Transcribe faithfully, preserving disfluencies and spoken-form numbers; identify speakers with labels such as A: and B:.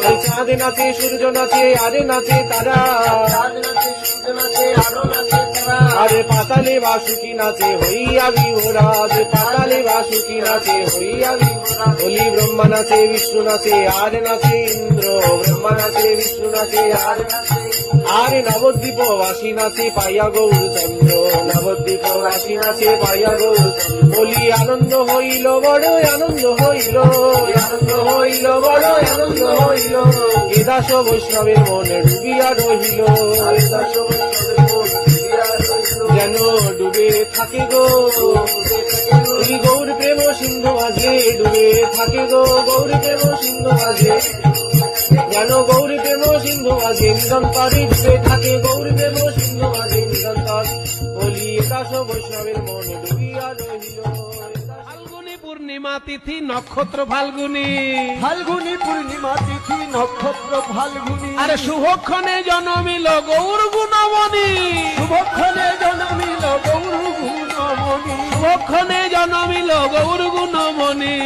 A: ওই চাঁদ নাচে সূর্য নাচে আরে নাচে তারা, আরে পাতালে বাসুকি নাচে হইয়া বিভোরা, যে পাতালে বাসুকি নাচে হইয়া বিভোরা। বলি ব্রহ্মা নাচে বিষ্ণু নাচে আর নাচে ইন্দ্র, ব্রহ্মা নাচে বিষ্ণু নাচে আর নাচে, আরে নবদ্বীপ বাসী নাচে পাইয়া গৌরচন্দ্র, নবদ্বীপ বাসী নাচে পাইয়া গৌরচন্দ্র। বলি আনন্দ হইল বড় আনন্দ হইল, আনন্দ হইল বড় আনন্দ হইল। এ দাস বৈষ্ণবের মনে ডুবিয়া রহিল, যেন ডুবে থাকে গো গৌর প্রেম সিন্ধু মাঝে, ডুবে থাকে গো গৌর প্রেম সিন্ধু মাঝে, যেন গৌর প্রেম সিন্ধু মাঝে নিরন্তরে ডুবে থাকে, গৌর প্রেম সিন্ধু মাঝে নিরন্তর। বলি একাশ বৈষ্ণবের মনে ডুবিয়া রহিল।
B: ফাল্গুনি পূর্ণিমা তিথি নক্ষত্র ফাল্গুনি,
C: ফাল্গুনি পূর্ণিমা তিথি নক্ষত্র ফাল্গুনি,
B: আরে শুভক্ষণে জন্মিল গৌর গুণমণি,
C: শুভক্ষণে জন্মিল গৌর গুণমণি,
B: শুভক্ষণে জন্মিল গৌর গুণমণি।